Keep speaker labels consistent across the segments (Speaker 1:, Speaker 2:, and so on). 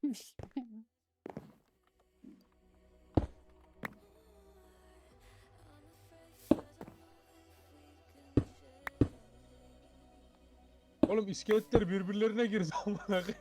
Speaker 1: Neymiş?
Speaker 2: Oğlum iskeletler birbirlerine girdi amına koyayım.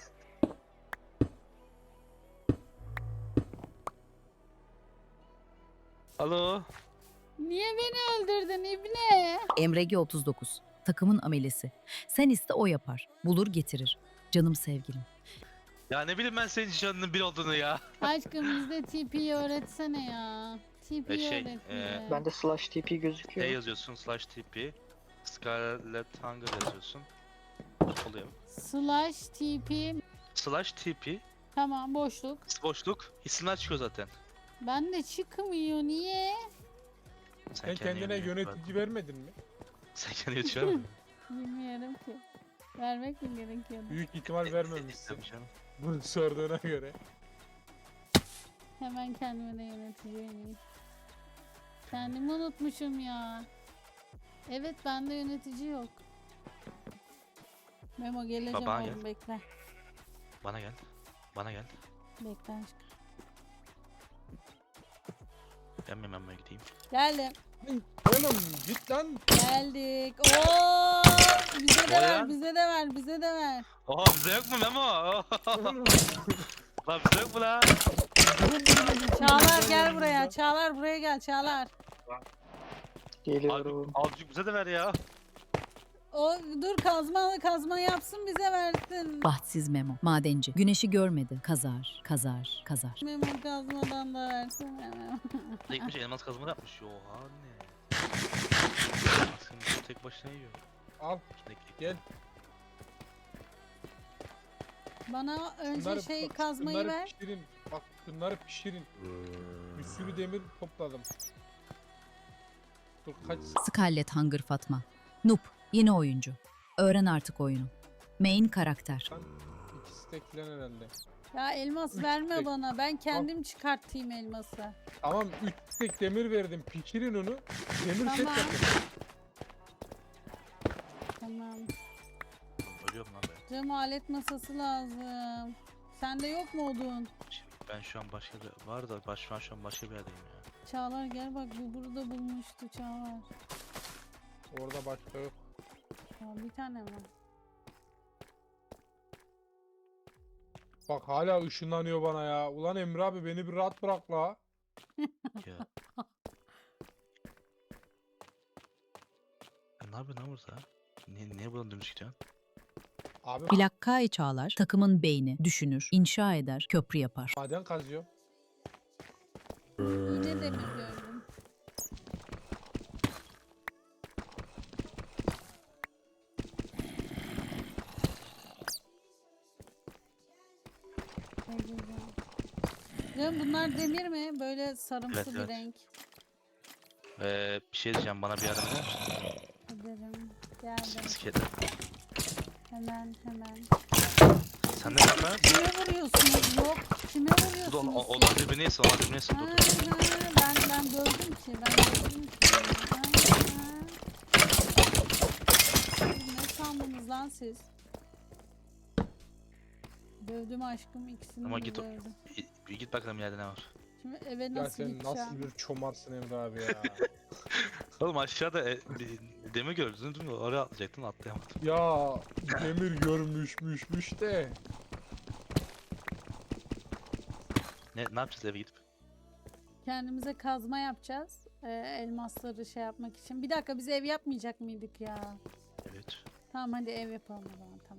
Speaker 3: Alo.
Speaker 1: Niye beni öldürdün İbne?
Speaker 4: Emrege 39. Takımın amelesi. Sen iste o yapar. Bulur getirir. Canım sevgilim.
Speaker 3: Ya ne bileyim ben senin canının bir olduğunu ya.
Speaker 1: Aşkım bizde TP'yi öğretsene ya. TP'yi
Speaker 3: Şey,
Speaker 1: öğret bize.
Speaker 5: Bende slash TP
Speaker 3: E
Speaker 5: gözüküyor.
Speaker 3: yazıyorsun /TP. Scarlet Hunger yazıyorsun. Oluyor.
Speaker 1: /TP.
Speaker 3: /TP.
Speaker 1: Tamam boşluk.
Speaker 3: Boşluk. İsimler çıkıyor zaten.
Speaker 1: Bende çıkmıyor niye?
Speaker 2: Sen kendine yönetici vermedin mi?
Speaker 3: Sen kendine yönetici mi?
Speaker 1: Bilmiyorum ki. Vermek mi gerekiyordu?
Speaker 2: Büyük ihtimal vermemişsin.
Speaker 3: Tabii canım.
Speaker 2: Bunu sorduğuna göre.
Speaker 1: Hemen kendime de yönetici vereyim. Kendimi unutmuşum ya. Evet bende yönetici yok. Memo geleceğim
Speaker 3: Baba,
Speaker 1: oğlum
Speaker 3: gel.
Speaker 1: bekle.
Speaker 3: Bana gel. Bana gel.
Speaker 1: Bekle aşkım.
Speaker 3: Ben mi hemen gideyim?
Speaker 1: Geldim.
Speaker 2: Oğlum git lan.
Speaker 1: Geldik. Oo! Bize de
Speaker 3: O
Speaker 1: ver,
Speaker 3: ya.
Speaker 1: bize de ver, bize de ver.
Speaker 3: Oha bize yok mu Memo? Lan bize yok mu lan?
Speaker 1: Çağlar gel buraya. Çağlar buraya gel. Çağlar.
Speaker 5: Geliyorum.
Speaker 3: Azıcık bize de ver ya.
Speaker 1: O dur kazma yapsın bize versin.
Speaker 4: Bahtsız Memo. Madenci. Güneşi görmedi. Kazar, kazar, kazar.
Speaker 1: Memo kazmadan da versin. Memo.
Speaker 3: Tekmiş elmas kazma yapmış. Oha ne? Aslında tek başına yiyor.
Speaker 2: Al
Speaker 3: İçindeki.
Speaker 2: gel.
Speaker 1: Bana önce
Speaker 2: Bunları-
Speaker 1: kazmayı
Speaker 2: bunları
Speaker 1: ver.
Speaker 2: Pişirin. Bak bunları pişirin. Bir sürü demir topladım. Dur kaç.
Speaker 4: Scarlet Hunger Fatma. Noob. Yeni oyuncu. Öğren artık oyunu. Main karakter.
Speaker 2: Lan ikisi de filan herhalde.
Speaker 1: Ya elmas
Speaker 2: Üç
Speaker 1: verme
Speaker 2: tek.
Speaker 1: bana. Ben kendim çıkartayım elması.
Speaker 2: Tamam 3 tek demir verdim. Pişirin onu. Demir set
Speaker 1: Tamam.
Speaker 2: yapın.
Speaker 1: Tamam.
Speaker 3: Ölüyorum lan ben.
Speaker 1: Cam alet masası lazım. Sende yok mu odun?
Speaker 3: Ben şu an başka bir var da şu an başka bir yerdeyim ya.
Speaker 1: Çağlar gel bak bu burada bulmuştu Çağlar.
Speaker 2: Orada başka yok.
Speaker 1: Ya bir tane mi?
Speaker 2: Bak hala ışınlanıyor bana ya. Ulan Emre abi beni bir rahat bırak la.
Speaker 3: Ya. Ya ne yapıyorsun lan burada? Niye buradan dümdüz gidiyorsun?
Speaker 2: Abi
Speaker 4: Plakkai Çağlar. Takımın beyni. Düşünür. İnşa eder. Köprü yapar.
Speaker 2: maden kazıyor.
Speaker 1: Yine demir gördüm. Ne güzel. Cem bunlar demir mi? Böyle sarımsı
Speaker 3: Evet,
Speaker 1: bir
Speaker 3: evet.
Speaker 1: renk.
Speaker 3: Bir şey diyeceğim bana bir yardım eder misin?
Speaker 1: Ederim. Geldim.
Speaker 3: Bisikletle.
Speaker 1: Hemen.
Speaker 3: Sen de yapma.
Speaker 1: Kime vuruyorsunuz? Yok. Kime
Speaker 3: Dur
Speaker 1: vuruyorsunuz?
Speaker 3: o
Speaker 1: siz?
Speaker 3: da birbirini yesin, o da birbirini yesin.
Speaker 1: Ha,
Speaker 3: Dur.
Speaker 1: ben gördüm ki. Ne sandınız lan siz? Dövdüm aşkım ikisini
Speaker 3: Ama
Speaker 1: de
Speaker 3: git o-
Speaker 1: dövdüm.
Speaker 3: Bir git bakalım yerde ne var.
Speaker 1: Şimdi eve
Speaker 2: Ya
Speaker 1: nasıl
Speaker 2: sen
Speaker 1: gideceğim?
Speaker 2: nasıl bir çomarsın Emre abi ya.
Speaker 3: Oğlum aşağıda bir demir gördün değil mi? Oraya atlayacaktın, atlayamadın.
Speaker 2: Ya demir görmüşmüş de.
Speaker 3: Ne yapacağız eve gidip?
Speaker 1: Kendimize kazma yapacağız. Elmasları şey yapmak için. Bir dakika biz ev yapmayacak mıydık ya?
Speaker 3: Evet.
Speaker 1: Tamam hadi ev yapalım o zaman tamam.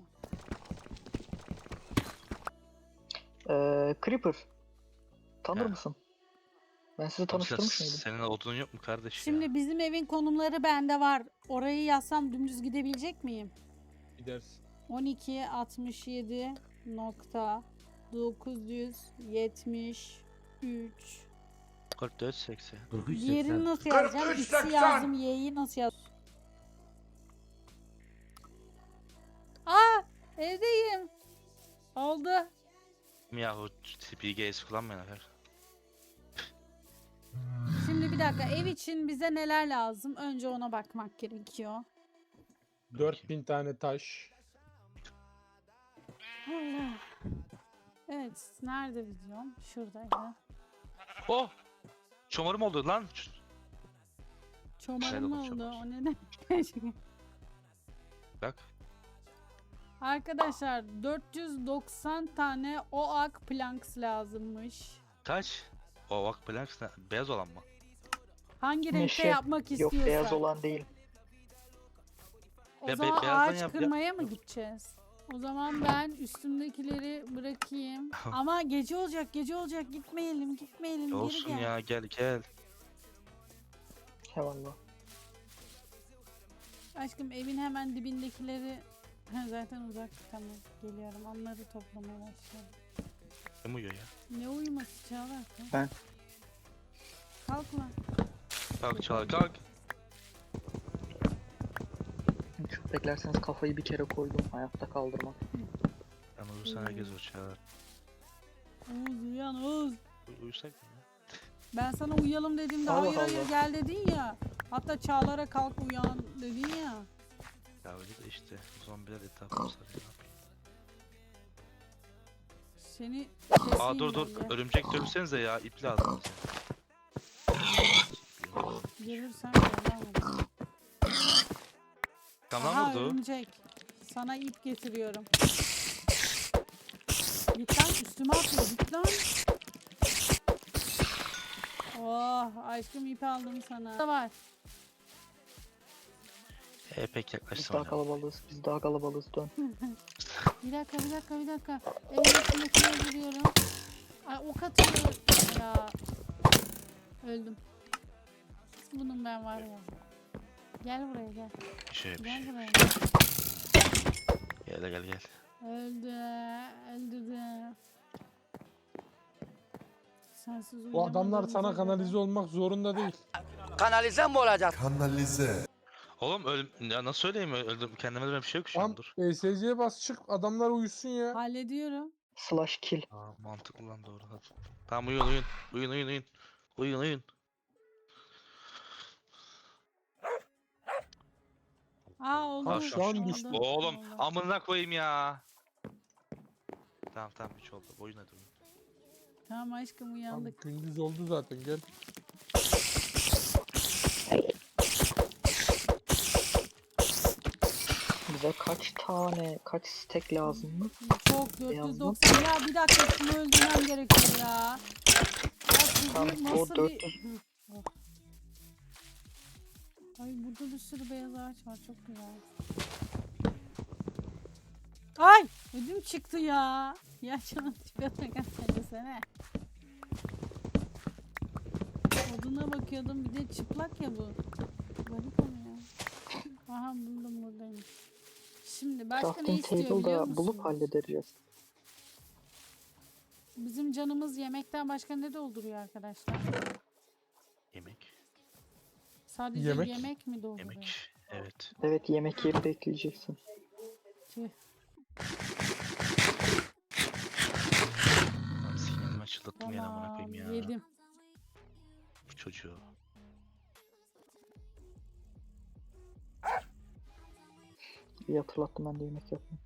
Speaker 5: Creeper. Tanır
Speaker 3: Ha.
Speaker 5: mısın? Ben sizi
Speaker 3: Oğlum
Speaker 5: tanıştırmış mıydım?
Speaker 3: Senin odunun yok mu kardeş
Speaker 1: Şimdi
Speaker 3: ya?
Speaker 1: bizim evin konumları bende var. Orayı yazsam dümdüz gidebilecek miyim?
Speaker 2: Gidersin.
Speaker 1: 12 67 nokta 973
Speaker 3: 4480.
Speaker 1: Diğerini nasıl yazacağım? X'i yazdım, Y'yi nasıl yaz? Aa, evdeyim. Oldu.
Speaker 3: Yahu TPGS kullanmayın her.
Speaker 1: Şimdi bir dakika, ev için bize neler lazım? Önce ona bakmak gerekiyor.
Speaker 2: 4000 tane taş.
Speaker 1: Allah. Evet, nerede videom? Şuradaydı.
Speaker 3: Oh! Çomarım oldu lan.
Speaker 1: Çomarım
Speaker 3: oldu,
Speaker 1: oldu.
Speaker 3: çomar.
Speaker 1: O ne demek?
Speaker 3: Bak.
Speaker 1: Arkadaşlar 490 tane oak planks lazımmış.
Speaker 3: Kaç? O bak planks ne? Beyaz olan mı?
Speaker 1: Hangi renkte
Speaker 5: Meşe.
Speaker 1: yapmak
Speaker 5: Yok
Speaker 1: istiyorsan.
Speaker 5: beyaz olan değil.
Speaker 1: O
Speaker 3: Be-
Speaker 1: zaman
Speaker 3: beyazdan
Speaker 1: ağaç
Speaker 3: yap-
Speaker 1: kırmaya mı gideceğiz? O zaman ben üstümdekileri bırakayım. Ama gece olacak, gece olacak. Gitmeyelim, gitmeyelim. Geri
Speaker 3: Olsun
Speaker 1: gel.
Speaker 3: ya gel gel.
Speaker 5: Eyvallah.
Speaker 1: Aşkım evin hemen dibindekileri zaten uzak. Tamam, geliyorum. Onları toplamaya başlıyorum.
Speaker 3: Kim uyuyor ya?
Speaker 1: Ne uyuması Çağlar? Kalk.
Speaker 5: Ben.
Speaker 1: Kalk lan.
Speaker 3: Kalk Çağlar kalk.
Speaker 5: Çok beklerseniz kafayı bir kere koydum. Hayatta kaldırmam.
Speaker 3: Ben uyursan herkes o Çağlar.
Speaker 1: Oğuz uyan Oğuz.
Speaker 3: Uyusak mı ya?
Speaker 1: Ben sana uyuyalım dediğimde
Speaker 5: Allah
Speaker 1: hayır hayır
Speaker 5: Allah.
Speaker 1: gel dedin ya. Hatta Çağlar'a kalk uyan dedin ya.
Speaker 3: Ya öyle de işte zombiler etrafını sarıyor.
Speaker 1: Seni
Speaker 3: Aa dur dur örümcek dövsenize ya ip lazım bize.
Speaker 1: Görürsen görmem.
Speaker 3: Tamam
Speaker 1: Aha
Speaker 3: vurdu.
Speaker 1: örümcek. Sana ip getiriyorum. Git lan üstüme atıyor git lan. Oh aşkım ip aldım sana. Da var.
Speaker 3: Pek
Speaker 5: Biz
Speaker 3: yaklaştım
Speaker 5: daha
Speaker 3: ya.
Speaker 5: kalabalığız. Biz daha kalabalığız. Dön.
Speaker 1: Bir dakika bir dakika bir dakika. Evin içindekini öldürüyorum. Ay ok atıyor ya. Öldüm. Bunun ben var ya. Gel buraya gel.
Speaker 3: Bir şey bir
Speaker 1: Gel
Speaker 3: şey.
Speaker 1: buraya.
Speaker 3: Gel gel gel.
Speaker 1: Öldü. Öldürdü. Sensiz
Speaker 2: Bu adamlar
Speaker 1: uyuyamadığımıza
Speaker 2: sana
Speaker 1: göre-
Speaker 2: kanalize olmak zorunda değil.
Speaker 6: Kanalize mi olacak?
Speaker 7: Kanalize.
Speaker 3: Oğlum ya nasıl söyleyeyim öldüm kendime de bir şey yok şu
Speaker 2: Tamam
Speaker 3: an dur.
Speaker 2: ESC'ye bas çık adamlar uyusun ya.
Speaker 1: Hallediyorum.
Speaker 5: Slash kill.
Speaker 3: Aa mantıklı lan doğru hadi. Tamam uyuyun uyuyun. Uyuyun uyuyun uyuyun. Uyuyun uyuyun.
Speaker 1: Oldu.
Speaker 3: Aa,
Speaker 2: şu an
Speaker 1: oldu,
Speaker 2: düştü.
Speaker 3: Oğlum
Speaker 1: oldu.
Speaker 3: amına koyayım ya. Tamam tamam 3 oldu. Oyun hadi oyun.
Speaker 1: Tamam aşkım
Speaker 2: Tamam,
Speaker 1: uyandık.
Speaker 2: gündüz oldu zaten gel.
Speaker 5: Bize kaç stack lazım mı?
Speaker 1: Çok
Speaker 5: Beyazlı.
Speaker 1: 490. Ya bir dakika şunu öldürmem gerekiyor ya. Ya siz
Speaker 5: Tamam,
Speaker 1: bu
Speaker 5: o
Speaker 1: nasıl
Speaker 5: 400.
Speaker 1: bir... Hı, oh. Ay burada bir sürü beyaz ağaç var çok güzel. Ay ödüm çıktı ya. Ya canım tipe desene. Oduna bakıyordum bir de çıplak ya bu. Garip oluyor. Aha buldum buradayım. Şimdi başka ne
Speaker 5: Crafting
Speaker 1: istiyor biliyor
Speaker 5: table'da
Speaker 1: musun?
Speaker 5: bulup hallederiz.
Speaker 1: Bizim canımız yemekten başka ne dolduruyor arkadaşlar?
Speaker 3: Yemek.
Speaker 1: Sadece
Speaker 2: Yemek.
Speaker 1: yemek mi dolduruyor?
Speaker 3: Yemek. Evet.
Speaker 5: Evet yemek yiyip bekleyeceksin.
Speaker 1: Tüh.
Speaker 3: Lan sinirimi açıldattım yine amına
Speaker 1: Tamam
Speaker 3: koyayım ya.
Speaker 1: yedim.
Speaker 3: Bu çocuğu.
Speaker 5: İyi hatırlattım ben de yemek yapmayı.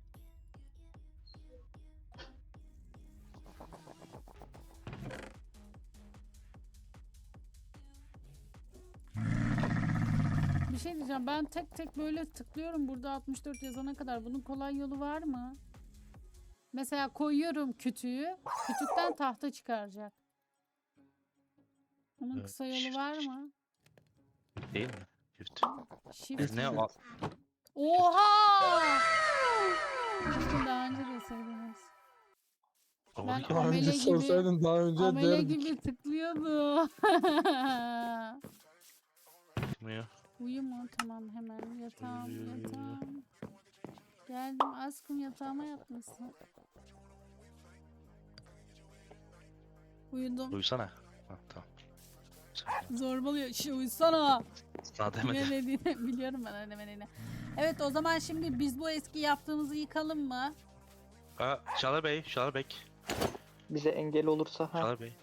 Speaker 1: Bir şey diyeceğim ben tek tek böyle tıklıyorum burada 64 yazana kadar. Bunun kolay yolu var mı? Mesela koyuyorum kütüğü. Kütükten tahta çıkaracak. Bunun
Speaker 3: Evet,
Speaker 1: kısa yolu
Speaker 3: shift.
Speaker 1: var mı?
Speaker 3: Değil mi? Çift.
Speaker 1: Shift.
Speaker 3: Ne o?
Speaker 1: Oha! Keşke daha önce deseydiniz.
Speaker 3: Onu
Speaker 1: Ben
Speaker 3: kim-
Speaker 2: Daha
Speaker 1: amele
Speaker 2: önce
Speaker 1: gibi-
Speaker 2: sorsaydın daha önce
Speaker 1: Amele
Speaker 2: derdik.
Speaker 1: gibi tıklıyordu.
Speaker 3: Çıkmıyor.
Speaker 1: Uyu mu? Tamam hemen yatağım
Speaker 3: Uyu, uyu, uyu.
Speaker 1: yatağım. Geldim aşkım yatağıma yatmışsın. Uyudum.
Speaker 3: Uyusana. Ha, tamam.
Speaker 1: Zorbalıyor. Uyusana.
Speaker 3: Sana
Speaker 1: Ne
Speaker 3: demedim.
Speaker 1: dediğini biliyorum ben öyle demediğini. Evet o zaman şimdi biz bu eski yaptığımızı yıkalım mı?
Speaker 3: Çağlar Bey, Çağlar Bey.
Speaker 5: Bize engel olursa ha.
Speaker 3: Çağlar Bey.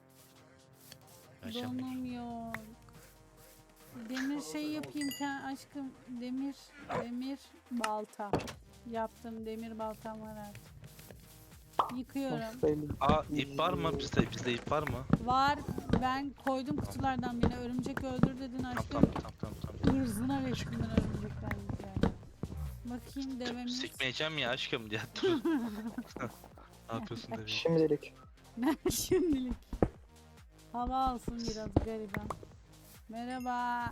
Speaker 3: Ayşem Bey.
Speaker 1: Donum yok. Demir şey yapayım aşkım. Demir balta. Yaptım demir baltam var artık. Yıkıyorum.
Speaker 5: Belli.
Speaker 3: Aa ip var mı? Bizde ip var mı?
Speaker 1: Var. Ben koydum kutulardan birine. Örümcek öldür dedin
Speaker 3: Tamam
Speaker 1: aşkım.
Speaker 3: tamam.
Speaker 1: Hırzına geçtim ben örümcekten yani. Bakayım devemiz.
Speaker 3: Sikmeyeceğim ya aşkım diye dur. Ne yapıyorsun dedi.
Speaker 5: Şimdilik.
Speaker 1: Ben şimdilik. Hava alsın biraz gariban. Merhaba.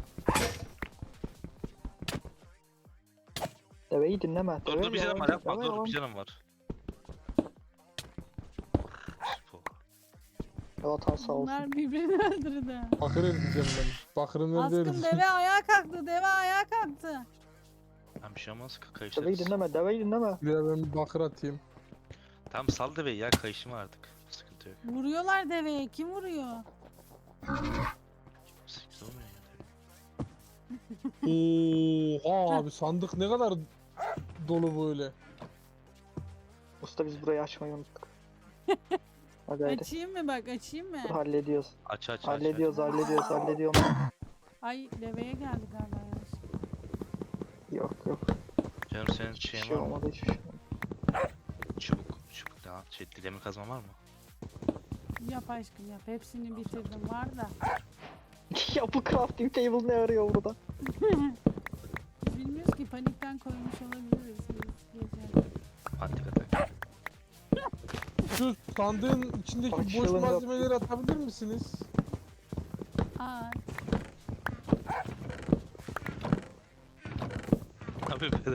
Speaker 5: Deveyi dinleme.
Speaker 3: Dur bir canım var yapma dur bir canım var.
Speaker 5: Vatan sağ olsun.
Speaker 1: Bunlar birbirini öldürdü.
Speaker 2: Bakır edeceğim ben. Bakırın
Speaker 1: Askım
Speaker 2: nerede
Speaker 1: deve ayağa kalktı. Deve ayağa kalktı.
Speaker 3: Ben bir şey olmaz
Speaker 5: Deveyi
Speaker 3: kayışlarız.
Speaker 5: dinleme. Deveyi dinleme.
Speaker 2: Ya ben bir bakır atayım.
Speaker 3: Tamam sal deveyi ya kayışım artık. Sıkıntı yok.
Speaker 1: Vuruyorlar deveye. Kim vuruyor?
Speaker 3: Sıkıntı olmuyor ya.
Speaker 2: Oha abi sandık ne kadar dolu böyle.
Speaker 5: Usta biz burayı açmayı unuttuk. Hadi hadi.
Speaker 1: Açayım mı bak açayım mı?
Speaker 5: Dur, hallediyoruz.
Speaker 3: Aç.
Speaker 5: Hallediyorum.
Speaker 1: Ay deveye geldi galiba yanlış.
Speaker 5: Yok.
Speaker 3: Canım senin
Speaker 5: Hiçbir
Speaker 3: şeyin
Speaker 5: şey
Speaker 3: var mı?
Speaker 5: olmadı hiçbir şey olmadı.
Speaker 3: Çubuk daha demir kazma var mı?
Speaker 1: Yap aşkım yap. Hepsini bitirdim var da.
Speaker 5: Ya bu crafting table ne arıyor burada?
Speaker 1: Bilmiyoruz ki panikten koymuş olabiliriz. Gece.
Speaker 3: Antik atak.
Speaker 2: Şu sandığın içindeki boş
Speaker 5: Açılın yok.
Speaker 2: malzemeleri atabilir misiniz?
Speaker 1: Aa,
Speaker 3: Abi beder.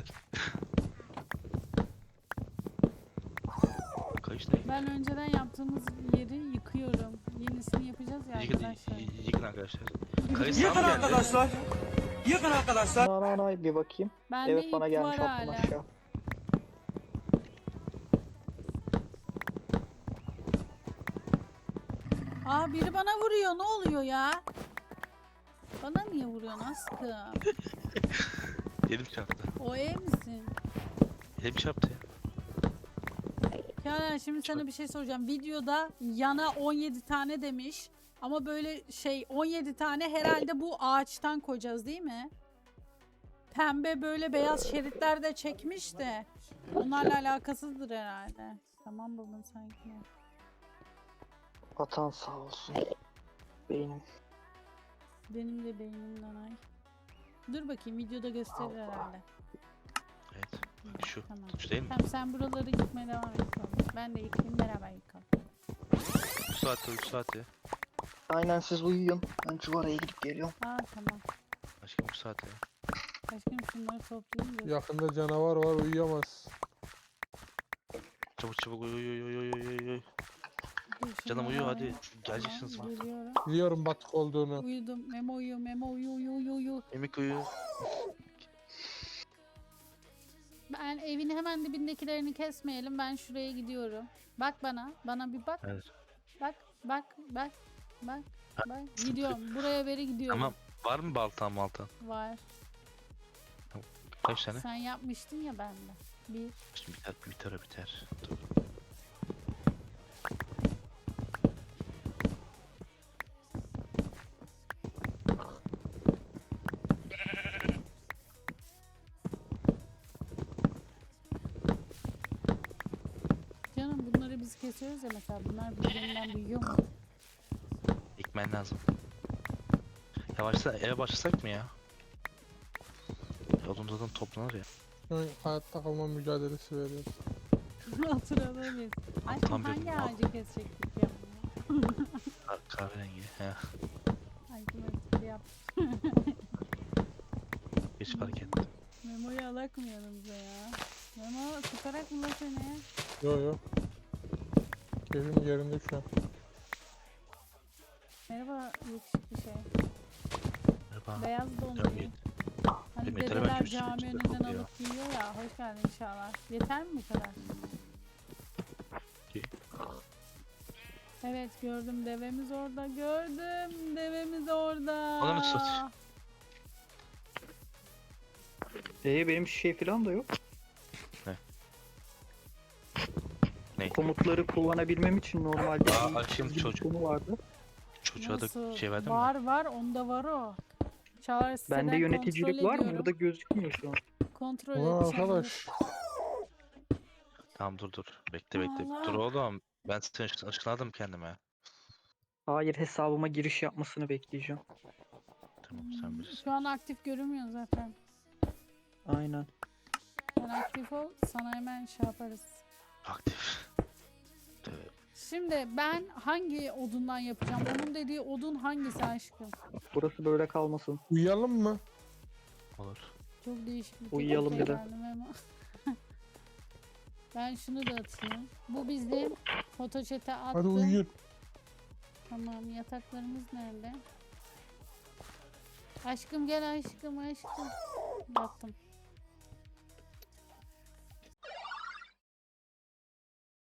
Speaker 3: Kayış ne?
Speaker 1: ben önceden yaptığımız yeri yıkıyorum. Yenisini yapacağız ya arkadaşlar.
Speaker 3: Yıkın arkadaşlar. Kayış sağ mı geldi?
Speaker 5: Nay bir bakayım.
Speaker 1: Bende
Speaker 5: Evet bana
Speaker 1: ip
Speaker 5: gelmiş
Speaker 1: var
Speaker 5: alttan
Speaker 1: hala.
Speaker 5: aşağı.
Speaker 1: Aa biri bana vuruyor. Ne oluyor ya? Bana niye vuruyorsun aşkım?
Speaker 3: Elim çarptı.
Speaker 1: O ev misin?
Speaker 3: Elim çarptı ya.
Speaker 1: Canan şimdi sana bir şey soracağım. Videoda yana 17 tane demiş. Ama böyle 17 tane herhalde bu ağaçtan koyacağız değil mi? Pembe böyle beyaz şeritler de çekmiş de. Onlarla alakasızdır herhalde. Tamam buldum sanki.
Speaker 5: Vatan sağ olsun. Beynim.
Speaker 1: Benim de beynimden ay. Dur bakayım videoda gösterir herhalde.
Speaker 3: Evet. Şu.
Speaker 1: Tamam.
Speaker 3: Şu değil mi?
Speaker 1: Tamam sen buraları yıkmaya devam et. Ben de yıkayayım beraber yıkalım.
Speaker 3: 3 saat ya.
Speaker 5: Aynen siz uyuyun. Ben Cuvara'ya gidip geliyorum.
Speaker 1: Aa tamam.
Speaker 3: Aşkım 3 saat ya.
Speaker 1: Aşkım şunları toplayayım da.
Speaker 2: Yakında canavar var uyuyamaz.
Speaker 3: Çabuk uyu.
Speaker 1: Dur,
Speaker 3: Canım
Speaker 1: şunları
Speaker 3: uyu hadi.
Speaker 1: alayım.
Speaker 3: Geleceksin
Speaker 1: Tamam,
Speaker 3: sonra.
Speaker 1: geliyorum.
Speaker 2: Biliyorum batık olduğunu.
Speaker 1: Uyudum. Memo uyu. Memo uyu.
Speaker 3: Emik uyu.
Speaker 1: Ben evin hemen dibindekilerini kesmeyelim. Ben şuraya gidiyorum. Bak bana. Bana bir bak.
Speaker 3: Evet.
Speaker 1: Bak. Gidiyorum. Buraya beri gidiyorum.
Speaker 3: Tamam. Var mı baltan?
Speaker 1: Var.
Speaker 3: Kaç tane?
Speaker 1: Sen yapmıştın ya bende. Bir.
Speaker 3: Şimdi biter. Dur.
Speaker 1: Canım bunları biz kesiyoruz ya mesela. Bunlar birbirinden büyüyor mu?
Speaker 3: Ekmen lazım. Yavaşsa eve başlasak mı ya? Odun zaten toplanır ya.
Speaker 2: Şu an hayatta kalma mücadelesi veriyoruz.
Speaker 1: Oturalım. Aşkım
Speaker 3: Tam bir
Speaker 1: hangi
Speaker 3: mal.
Speaker 1: ağacı kesecektik ya?
Speaker 3: Kahverengi. He.
Speaker 1: Ay bu yap.
Speaker 3: Hiç fark ettim.
Speaker 1: Memo'yu alakmayalım bize ya. Memo sıkarak mı la seni?
Speaker 2: Yo. Keyfim yerinde şu an.
Speaker 1: Merhaba yakışıklı şey.
Speaker 3: Merhaba.
Speaker 1: Beyaz donlu.
Speaker 3: Tabii.
Speaker 1: Hani
Speaker 3: Yeter,
Speaker 1: dedeler
Speaker 3: hemen
Speaker 1: cami
Speaker 3: üstüne
Speaker 1: önünden
Speaker 3: kokuyor.
Speaker 1: alıp giyiyor ya. Hoş geldin inşallah. Yeter mi bu kadar?
Speaker 3: İyi.
Speaker 1: Evet gördüm devemiz orada. Devemiz orada.
Speaker 3: Onu mu satayım?
Speaker 5: Benim şey falan da yok.
Speaker 3: Ne?
Speaker 5: Komutları kullanabilmem için normalde
Speaker 3: Aa,
Speaker 5: bir
Speaker 3: açayım
Speaker 5: çizgi
Speaker 3: çocuk.
Speaker 5: konu vardı.
Speaker 3: Çocuğa
Speaker 1: Nasıl?
Speaker 3: da şey verdin mi?
Speaker 1: Var onda var o. Çağrı siteden
Speaker 5: Bende yöneticilik
Speaker 1: kontrol
Speaker 5: var mı?
Speaker 1: ediyorum.
Speaker 5: Burada gözükmüyor şu an.
Speaker 1: Kontrol
Speaker 2: Ulan
Speaker 1: et.
Speaker 2: arkadaş.
Speaker 3: Tamam dur. Bekle.
Speaker 1: Allah.
Speaker 3: Dur oğlum. Ben seni ışınladım kendime.
Speaker 5: Hayır, hesabıma giriş yapmasını bekleyeceğim.
Speaker 3: Tamam sen bilirsin.
Speaker 1: Şu an aktif görünmüyor zaten.
Speaker 5: Aynen.
Speaker 1: Sen aktif ol, sana hemen şey yaparız.
Speaker 3: Aktif. Tövbe.
Speaker 1: Şimdi ben hangi odundan yapacağım? Onun dediği odun hangisi aşkım?
Speaker 5: Burası böyle kalmasın.
Speaker 2: Uyuyalım mı?
Speaker 3: Olur.
Speaker 1: Çok değişik bir
Speaker 5: Uyuyalım
Speaker 1: fikir
Speaker 5: bir de.
Speaker 1: geldi Memo. Ben şunu da atayım. Bu bizim fotoçete attı.
Speaker 2: Hadi uyuyun.
Speaker 1: Tamam, yataklarımız nerede? Aşkım gel aşkım. Yattım.